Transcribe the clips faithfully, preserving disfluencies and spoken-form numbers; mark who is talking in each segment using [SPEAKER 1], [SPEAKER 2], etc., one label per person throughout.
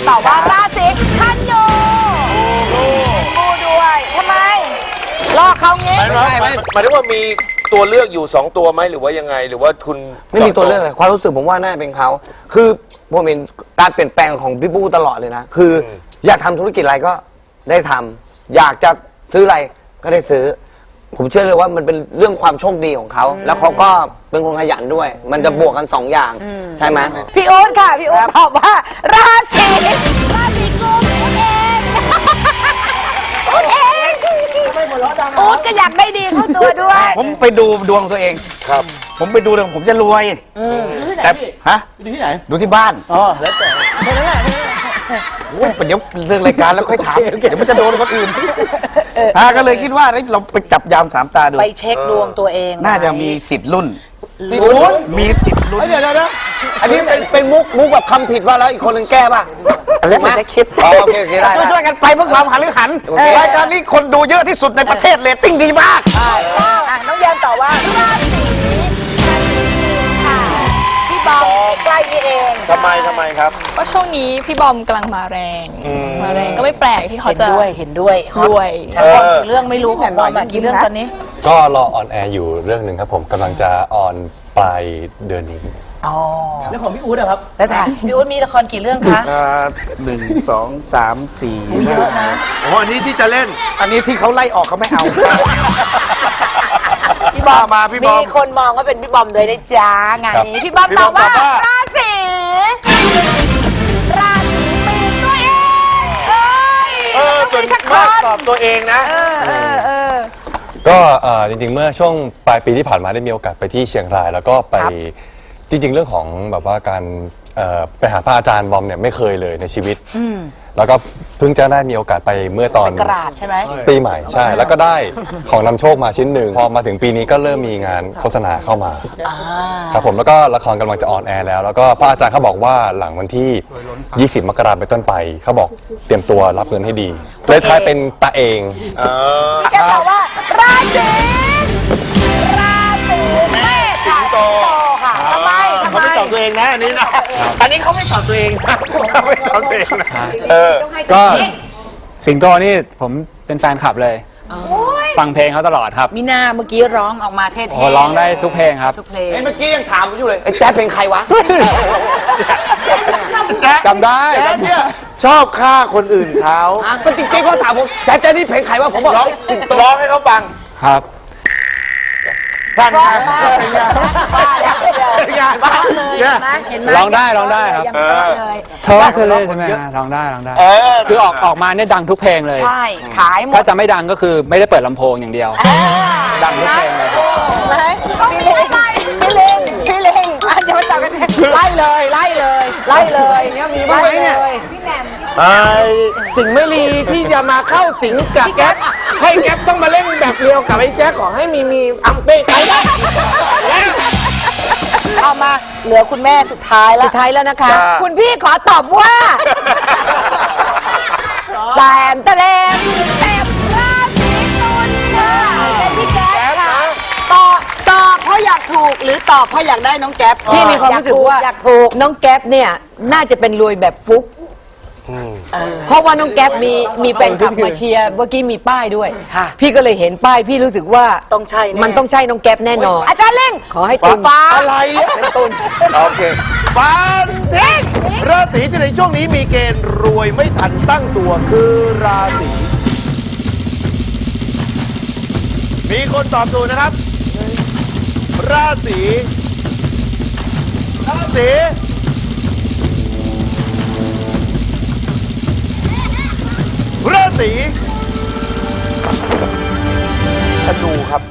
[SPEAKER 1] ตอบว่าราศีธนูงูด้วยทำไมลอกเขางี้
[SPEAKER 2] ไม่ไม่หมายถึงว่ามีตัวเลือกอยู่สองตัวไหมหรือว่ายังไงหรือว่าคุณ
[SPEAKER 3] ไม่มีตัวเลือกเลยความรู้สึกผมว่าน่าเป็นเขาคือผมเห็นการเปลี่ยนแปลงของพี่ปู้ตลอดเลยนะคืออยากทำธุรกิจอะไรก็ได้ทำอยากจะซื้ออะไรก็ได้ซื้อผมเชื่อเลยว่ามันเป็นเรื่องความโชคดีของเขาแล้วเขาก็เป็นคนขยันด้วยมันจะบวกกันสองอย่างใช่ไหม
[SPEAKER 1] พี่อู๊ดค่ะพี่อู๊ดตอบว่าราศีราศีกุมอู๊ดเองอู๊ดเองอู๊ดก็อยากได้ดีเข้าตัวด้วย
[SPEAKER 4] ผมไปดูดวงตัวเอง
[SPEAKER 2] ครับ
[SPEAKER 4] ผมไปดูดวงผมจะรวยแต่ฮะ
[SPEAKER 5] ดูที่ไหน
[SPEAKER 4] ดูที่บ้าน
[SPEAKER 5] อ๋อแล้วแต่แค่นั้นแหละ
[SPEAKER 4] โอ้ยเดี๋ยวเรื่องรายการแล้วค่อยถามเดี๋ยวมันจะโดนคนอื่นฮะก็เลยคิดว่าเราไปจับยามสามตาดู
[SPEAKER 1] ไปเช็คดวงตัวเอง
[SPEAKER 4] น่าจะมีสิทธิ์รุ่น
[SPEAKER 3] สิทธิ์รุ่น
[SPEAKER 4] มีสิทธิ์รุ่น
[SPEAKER 3] เดี๋ยวนะอันนี้เป็นเป็นมุกมุกแบบคำผิดว่าแล้วอีกคนนึงแก้ป่ะ
[SPEAKER 4] อะไรไม่ได้คิด
[SPEAKER 3] โอเคโอเคได้
[SPEAKER 4] ช่วยกันไปเพื่อความหันหรือหันรายการนี้คนดูเยอะที่สุดในประเทศเรตติ้งดีมาก
[SPEAKER 1] ใช่น้องแยมตอบว่าราศีพี่บอมใกล้นี่เอง
[SPEAKER 2] ทำไมทำไมครับ
[SPEAKER 6] ก็ช่วงนี้พี่บอมกำลังมาแรงมาแรงก็ไม่แปลกที่เขาจะ
[SPEAKER 1] เห็นด้วยเห็นด้วย
[SPEAKER 6] รวย
[SPEAKER 1] แต่ก่อนกี่เรื่องไม่รู้ของบอมกี่เรื่องตอนนี้
[SPEAKER 7] ก็รอออนแอร์อยู่เรื่องหนึ่งครับผมกำลังจะออนปลายเดือนนี้
[SPEAKER 1] อ๋อ
[SPEAKER 5] แล้วของพี่อู๊ดอะครับ
[SPEAKER 1] แล้วแต่พี่อู๊ดมีละครกี่เรื่องคะ
[SPEAKER 4] หนึ่งสองสามสี่
[SPEAKER 1] เยอะนะ
[SPEAKER 2] อ๋ออันนี้ที่จะเล่น
[SPEAKER 4] อันนี้ที่เขาไล่ออกเขาไม่เอา
[SPEAKER 1] พี่บอมมาพี่บอมมีคนมองว่าเป็นพี่บอมเลยได้จ้าไงพี่บอมตอบว่าราศีราศีมีนตัวเอง
[SPEAKER 2] เออจนมากตอบตัวเองนะ
[SPEAKER 1] เออเออเออ
[SPEAKER 7] ก็จริงๆเมื่อช่วงปลายปีที่ผ่านมาได้มีโอกาสไปที่เชียงรายแล้วก็ไปจริงๆเรื่องของแบบว่าการไปหาพระอาจารย์บอมเนี่ยไม่เคยเลยในชีวิตแล้วก็เพิ่งจะได้มีโอกาสไปเมื่อตอน
[SPEAKER 1] กระดาษใช่ไหม
[SPEAKER 7] ปีใหม่ใช่แล้วก็ได้ของนำโชคมาชิ้นหนึ่งพอมาถึงปีนี้ก็เริ่มมีงานโฆษณาเข้ามาครับผมแล้วก็ละครกำลังจะออนแอร์แล้วแล้วก็พระอาจารย์เขาบอกว่าหลังวันที่ยี่สิบมกราคมเป็นต้นไปเขาบอกเตรียมตัวรับเงินให้ดีเลยทายเป็นตาเอง
[SPEAKER 1] พี่แกบอกว่าราศีราศีเมษค่ะโตค่ะทำไมทำไม
[SPEAKER 2] เขาไม่ตอบตัวเองนะอันนี้นะอันนี้เขาไม่ตอบตัวเองเขาไม่ตอบตัวเองนะ
[SPEAKER 8] ก็สิงโตนี่ผมเป็นแฟนคลับเลยฟังเพลงเขาตลอดครับ
[SPEAKER 1] มีนาเมื่อกี้ร้องออกมาเท่ๆ
[SPEAKER 8] โอ้ร้องได้ทุกเพลงครับ
[SPEAKER 1] ทุกเพลง
[SPEAKER 3] เมื่อกี้ยังถามอยู่เลยไอ้แจ๊บเพลงใครวะ
[SPEAKER 4] จำได้เนี่ย
[SPEAKER 2] ชอบฆ่าคนอื่นเขา
[SPEAKER 3] ก็จริงๆเขาถามผมแจ๊บแจ๊บนี่เพลงใครวะผมบอก
[SPEAKER 2] ร้องร้องให้เขาฟัง
[SPEAKER 8] ครับ
[SPEAKER 1] บ้านบ้านบ้านเลย
[SPEAKER 8] ร้องได้ร้องได้ครับเธอเธอเลยใช่ไหมร้องได้ร้องได้คือออกออกมาเนี่ยดังทุกเพลงเลย
[SPEAKER 1] ใช่ขายหมด
[SPEAKER 8] ถ้าจะไม่ดังก็คือไม่ได้เปิดลำโพงอย่างเดียวดังทุกเพลงเลย
[SPEAKER 1] พี่เล้งพี่เล้งพี่เล้งจะมาจับกันไล่เลยไล่เลยไล่เลย
[SPEAKER 3] เนี่ยมีบ้างไหมเนี่ย
[SPEAKER 2] ไอ้สิ่งไม่ดีที่จะมาเข้าสิงกับแก๊ปให้แก๊ปต้องมาเล่นแบบเดียวกับไอ้แจ๊คขอให้มีมีอัมเป้ไปได้
[SPEAKER 1] เอามาเหลือคุณแม่สุดท้ายแล้วสุดท้ายแล้วนะคะคุณพี่ขอตอบว่าแตมตะเลมเต็มราศีตุลค่ะเป็นพี่แก๊ปค่ะตอบตอบเพราะอยากถูกหรือตอบเพราะอยากได้น้องแก๊ป
[SPEAKER 9] พี่มีความรู้สึกว่า
[SPEAKER 1] อยากถูก
[SPEAKER 9] น้องแก๊ปเนี่ยน่าจะเป็นรวยแบบฟุกเพราะว่าน้องแก๊ปมีมีแฟนคลับมาเชียร์เมื่อกี้มีป้ายด้วยพี่ก็เลยเห็นป้ายพี่รู้สึกว่า
[SPEAKER 1] ต้องใช่
[SPEAKER 9] มันต้องใช่น้องแก๊ปแน่นอน
[SPEAKER 1] อาจารย์เล่ง
[SPEAKER 9] ขอให้ตุน
[SPEAKER 2] ฟ้าอะไร
[SPEAKER 9] เป็นตุน
[SPEAKER 2] โอเคฟันทิ้งราศีที่ในช่วงนี้มีเกณฑ์รวยไม่ทันตั้งตัวคือราศีมีคนตอบถูกนะครับราศีราศีราศีธนูครับ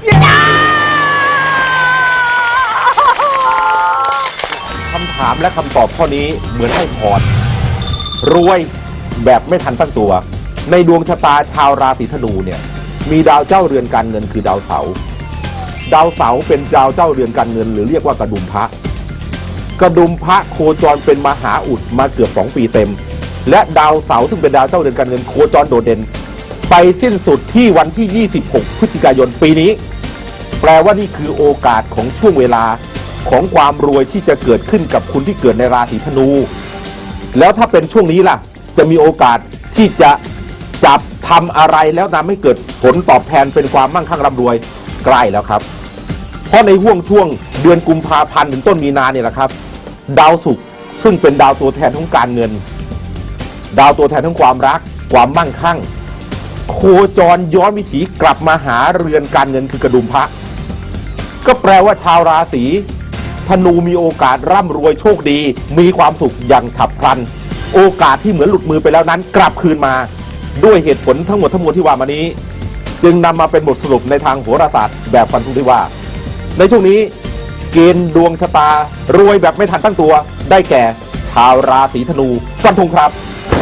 [SPEAKER 10] คำถามและคำตอบข้อนี้เหมือนให้พรรวยแบบไม่ทันตั้งตัวในดวงชะตาชาวราศีธนูเนี่ยมีดาวเจ้าเรือนการเงินคือดาวเสาร์ดาวเสาร์เป็นดาวเจ้าเรือนการเงินหรือเรียกว่ากระดุมพระกระดุมพระโคจรเป็นมหาอุดมาเกือบสองปีเต็มและดาวเสาร์ซึ่งเป็นดาวเจ้าเรือนการเงินโคจรโดดเด่นไปสิ้นสุดที่วันที่ยี่สิบหกพฤศจิกายนปีนี้แปลว่านี่คือโอกาสของช่วงเวลาของความรวยที่จะเกิดขึ้นกับคุณที่เกิดในราศีธนูแล้วถ้าเป็นช่วงนี้ล่ะจะมีโอกาสที่จะจับทำอะไรแล้วทำให้เกิดผลตอบแทนเป็นความมั่งคั่งร่ำรวยใกล้แล้วครับ เพราะในห่วงช่วงเดือนกุมภาพันธ์ถึงต้นมีนาเนี่ยแหละครับ ดาวศุกร์ซึ่งเป็นดาวตัวแทนของการเงิน ดาวตัวแทนของความรักความมั่งคั่งโคจรย้อนวิถีกลับมาหาเรือนการเงินคือกระดุมพระก็แปลว่าชาวราศีธนูมีโอกาสร่ำรวยโชคดีมีความสุขอย่างฉับพลันโอกาสที่เหมือนหลุดมือไปแล้วนั้นกลับคืนมาด้วยเหตุผลทั้งหมดทั้งมวลที่ว่ามานี้จึงนำมาเป็นบทสรุปในทางโหราศาสตร์แบบฟันธงที่ว่าในช่วงนี้เกณฑ์ดวงชะตารวยแบบไม่ทันตั้งตัวได้แก่ชาวราศีธนูฟันธงครับ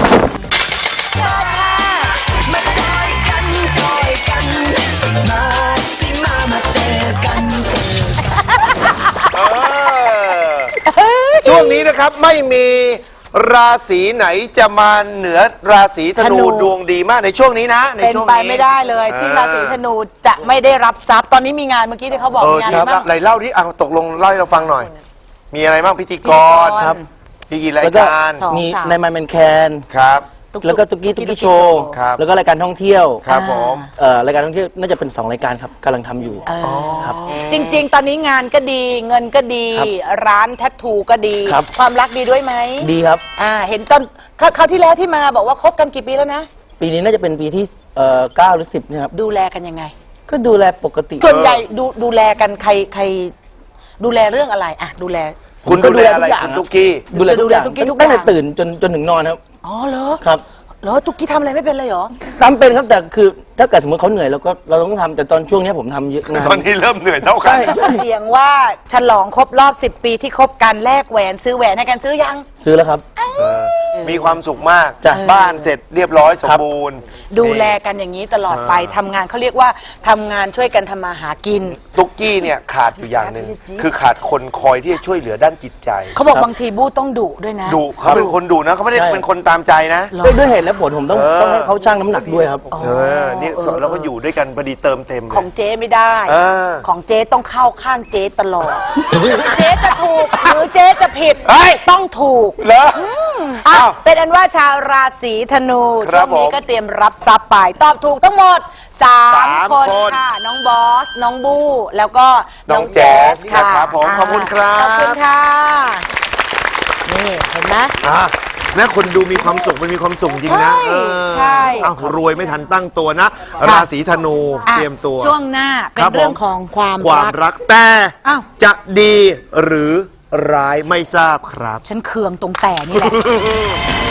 [SPEAKER 2] ช่วงนี้นะครับไม่มีราศีไหนจะมาเหนือราศีธนูดวงดีมากในช่วงนี้นะใน
[SPEAKER 1] เป็น
[SPEAKER 2] ช่วง
[SPEAKER 1] ไป
[SPEAKER 2] นี้
[SPEAKER 1] ไม่ได้เลยที่ราศีธนูจะไม่ได้รับทรัพย์ตอนนี้มีงานเมื่อกี้ที่เขาบอก
[SPEAKER 2] เอ
[SPEAKER 1] มี
[SPEAKER 2] อง
[SPEAKER 1] าน
[SPEAKER 2] ค
[SPEAKER 1] อะไร
[SPEAKER 2] รับ
[SPEAKER 1] บ้าง
[SPEAKER 2] ไหนเล่าที่เอาตกลงเล่าให้เราฟังหน่อย มีอะไรบ้างพิธีกร
[SPEAKER 1] ครับ
[SPEAKER 2] พี่กี่ราย
[SPEAKER 5] แล้วก็
[SPEAKER 2] การ
[SPEAKER 1] สอง
[SPEAKER 5] มี
[SPEAKER 1] สาม
[SPEAKER 5] ในมันแมนแคน
[SPEAKER 2] ครับ
[SPEAKER 5] แล้วก็ตุกกี้ตุกกี้โชว์
[SPEAKER 2] ครับ
[SPEAKER 5] แล้วก็รายการท่องเที่ยว
[SPEAKER 2] ครับผม
[SPEAKER 5] เอ่อรายการท่องเที่ยวน่าจะเป็นสองรายการครับกำลังทำอยู่ครับ
[SPEAKER 1] จริง ๆ ตอนนี้งานก็ดีเงินก็ดี
[SPEAKER 5] ครับ
[SPEAKER 1] ร้านแทททูก็ดี
[SPEAKER 5] ครับ
[SPEAKER 1] ความรักดีด้วยไหม
[SPEAKER 5] ดีครับ
[SPEAKER 1] อ่าเห็นตอนคราวคราวที่แล้วที่มาบอกว่าคบกันกี่ปีแล้วนะ
[SPEAKER 5] ปีนี้น่าจะเป็นปีที่เอ่อเก้าหรือสิบเนี่ยครับ
[SPEAKER 1] ดูแลกันยังไง
[SPEAKER 5] ก็ดูแลปกติ
[SPEAKER 1] ส่วนใหญ่ดูดูแลกันใครใครดูแลเรื่องอะไรอ่ะดูแล
[SPEAKER 2] คุณ
[SPEAKER 5] ก็
[SPEAKER 2] ดูแลอะไร
[SPEAKER 5] ทุกอย่าง
[SPEAKER 2] คุณตุ๊กกี้
[SPEAKER 5] ดูแลทุกอย่าง
[SPEAKER 1] ดูแลทุกอย่าง
[SPEAKER 5] ตั้งแต่ตื่นจนจนถึงนอนครับ
[SPEAKER 1] อ๋อเหรอ
[SPEAKER 5] ครับ
[SPEAKER 1] เหรอตุ๊กกี้ทำอะไรไม่เป็นเลยเหรอ
[SPEAKER 5] ทำเป็นครับแต่คือถ้าเกิดสมมติเขาเหนื่อยเราก็เราต้องทำแต่ตอนช่วงนี้ผมทำเยอะงาน
[SPEAKER 2] ตอนนี้เริ่มเหนื่อยเท่ากัน
[SPEAKER 5] ใช่ใช่
[SPEAKER 1] เสียงว่าฉลองครบรอบสิบปีที่คบกันแลกแหวนซื้อแหวนให้กันซื้อยัง
[SPEAKER 5] ซื้อแล้วครับ
[SPEAKER 2] มีความสุขมาก
[SPEAKER 5] จ้ะ
[SPEAKER 2] บ้านเสร็จเรียบร้อยสมบูรณ์
[SPEAKER 1] ดูแลกันอย่างนี้ตลอดไปทำงานเขาเรียกว่าทำงานช่วยกันทำมาหากิน
[SPEAKER 2] ตุ๊กกี้เนี่ยขาดอยู่อย่างหนึ่งคือขาดคนคอยที่จะช่วยเหลือด้านจิตใจ
[SPEAKER 1] เขาบอกบางทีบู้ต้องดุด้วยนะ
[SPEAKER 2] ดุเขาเป็นคนดุนะเขาไม่ได้
[SPEAKER 5] ใช่
[SPEAKER 2] เป็นคนตามใจนะ
[SPEAKER 5] ด้วยด้วยเหตุและผลผมต้อง
[SPEAKER 2] เออ
[SPEAKER 5] ต้องให้เขาชั่งน้ำหนักด้วยครับ
[SPEAKER 2] เออนี่เราก็อยู่ด้วยกันพอดีเติมเต็มเล
[SPEAKER 1] ของ
[SPEAKER 2] ย
[SPEAKER 1] เจ๊ไม่ได้
[SPEAKER 2] เออ
[SPEAKER 1] ของเจ๊ต้องเข้าข้างเจ๊ตลอด เจ๊จะถูกหรือเจ๊จะผิด
[SPEAKER 2] เฮ้ย
[SPEAKER 1] ต้องถูก
[SPEAKER 2] เหรอ
[SPEAKER 1] อ่ะ
[SPEAKER 2] อ้าว
[SPEAKER 1] เป็นอันว่าชาวราศีธนู
[SPEAKER 2] ครั
[SPEAKER 1] ช่
[SPEAKER 2] บ
[SPEAKER 1] วงนี้
[SPEAKER 2] ผม
[SPEAKER 1] ก็เตรียมรับทรัพย์ไปตอบถูกทั้งหมดสาม
[SPEAKER 2] สาม
[SPEAKER 1] คน
[SPEAKER 2] คน
[SPEAKER 1] ค่ะ น้องบอส น้องบู้แล้วก็
[SPEAKER 2] น้องแจ๊ส
[SPEAKER 1] ค่ะ
[SPEAKER 2] นะครับผมขอบคุณครับ
[SPEAKER 1] ขอบคุณค่ะ นี่เห็นไหม
[SPEAKER 2] อ่ะนะคนดูมีความสุขมันมีความสุขจริงนะ
[SPEAKER 1] ใช่
[SPEAKER 2] เออ
[SPEAKER 1] ใช่
[SPEAKER 2] อ้าวรวยไม่ทันตั้งตัวนะ
[SPEAKER 1] ค่ะ
[SPEAKER 2] ราศีธนู
[SPEAKER 1] อ่ะ
[SPEAKER 2] เตรียมตัว
[SPEAKER 1] ช่วงหน้าเป็
[SPEAKER 2] ครั
[SPEAKER 1] น
[SPEAKER 2] บผม
[SPEAKER 1] เรื่องของความ
[SPEAKER 2] ความ
[SPEAKER 1] รัก
[SPEAKER 2] รักแต่
[SPEAKER 1] อ้าว
[SPEAKER 2] จะดีหรือร้ายไม่ทราบครับ
[SPEAKER 1] ฉันเคืองตรงแต่นี่แหละ